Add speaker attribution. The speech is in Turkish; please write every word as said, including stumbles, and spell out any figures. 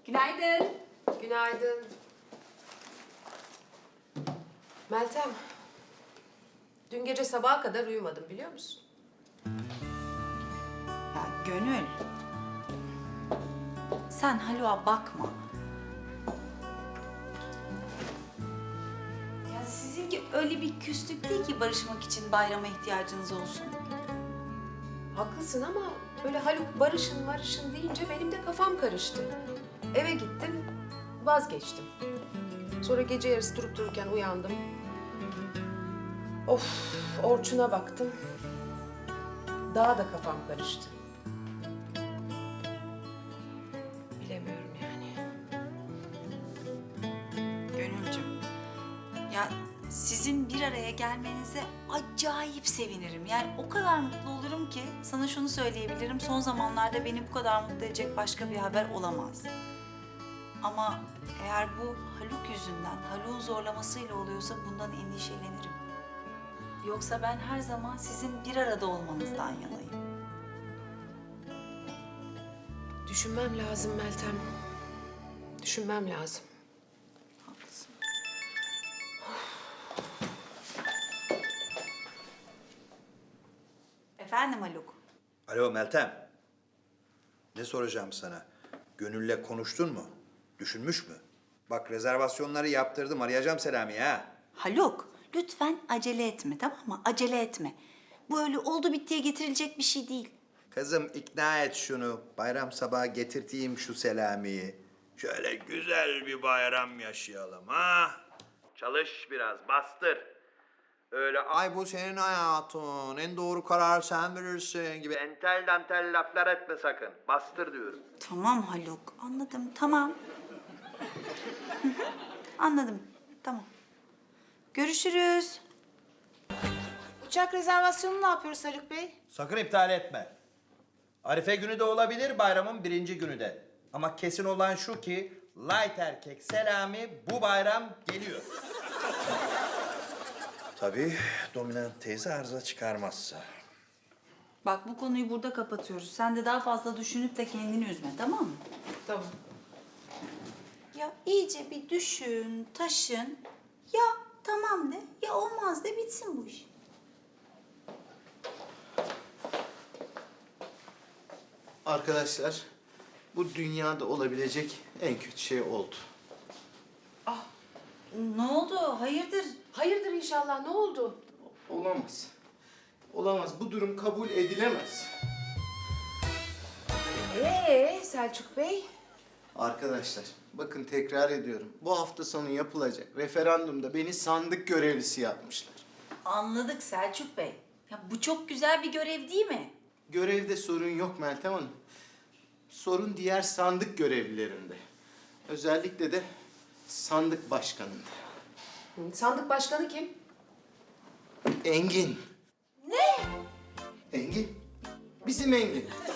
Speaker 1: Günaydın.
Speaker 2: Günaydın. Meltem, dün gece sabaha kadar uyumadım biliyor musun?
Speaker 1: Ya Gönül. Sen Haluk'a bakma. Ya sizinki öyle bir küslük değil ki barışmak için bayrama ihtiyacınız olsun.
Speaker 2: Haklısın ama böyle Haluk barışın barışın deyince benim de kafam karıştı. Eve gittim, vazgeçtim. Sonra gece yarısı durup dururken uyandım. Of, Orçun'a baktım. Daha da kafam karıştı. Bilemiyorum yani.
Speaker 1: Gönülcüm, ya sizin bir araya gelmenize acayip sevinirim. Yani o kadar mutlu olurum ki sana şunu söyleyebilirim. Son zamanlarda beni bu kadar mutlu edecek başka bir haber olamaz. Ama eğer bu Haluk yüzünden, Haluk'un zorlamasıyla oluyorsa bundan endişelenirim. Yoksa ben her zaman sizin bir arada olmanızdan yanayım.
Speaker 2: Düşünmem lazım Meltem. Düşünmem lazım.
Speaker 1: Haklısın. Efendim Haluk?
Speaker 3: Alo Meltem. Ne soracağım sana? Gönül'le konuştun mu? Düşünmüş mü? Bak rezervasyonları yaptırdım. Arayacağım Selami'yi ha.
Speaker 1: Haluk, lütfen acele etme, tamam mı? Acele etme. Bu öyle oldu bittiye getirilecek bir şey değil.
Speaker 3: Kızım ikna et şunu. Bayram sabahı getirteyim şu Selami'yi. Şöyle güzel bir bayram yaşayalım ha. Çalış biraz, bastır. Öyle ay bu senin hayatın, en doğru karar sen verirsin gibi entel dantel laflar etme sakın. Bastır diyorum.
Speaker 1: Tamam Haluk, anladım, tamam. Hı hı, anladım, tamam. Görüşürüz.
Speaker 4: Uçak rezervasyonunu ne yapıyoruz Haluk Bey?
Speaker 3: Sakın iptal etme. Arife günü de olabilir, bayramın birinci günü de. Ama kesin olan şu ki, light erkek Selami bu bayram geliyor. Tabii dominant teyze arıza çıkarmazsa.
Speaker 1: Bak bu konuyu burada kapatıyoruz. Sen de daha fazla düşünüp de kendini üzme, tamam mı?
Speaker 2: Tamam.
Speaker 1: Ya iyice bir düşün, taşın. Ya tamam de, ya olmaz de bitsin bu iş.
Speaker 5: Arkadaşlar, bu dünyada olabilecek en kötü şey oldu.
Speaker 1: Ne oldu? Hayırdır?
Speaker 2: Hayırdır inşallah, ne oldu?
Speaker 5: Olamaz. Olamaz. Bu durum kabul edilemez.
Speaker 2: Ee Selçuk Bey?
Speaker 5: Arkadaşlar, bakın tekrar ediyorum. Bu hafta sonu yapılacak referandumda beni sandık görevlisi yapmışlar.
Speaker 1: Anladık Selçuk Bey. Ya bu çok güzel bir görev değil mi?
Speaker 5: Görevde sorun yok Meltem Hanım. Sorun diğer sandık görevlilerinde. Özellikle de sandık başkanında.
Speaker 2: Hı, sandık başkanı kim?
Speaker 5: Engin.
Speaker 1: Ne?
Speaker 5: Engin. Bizim Engin.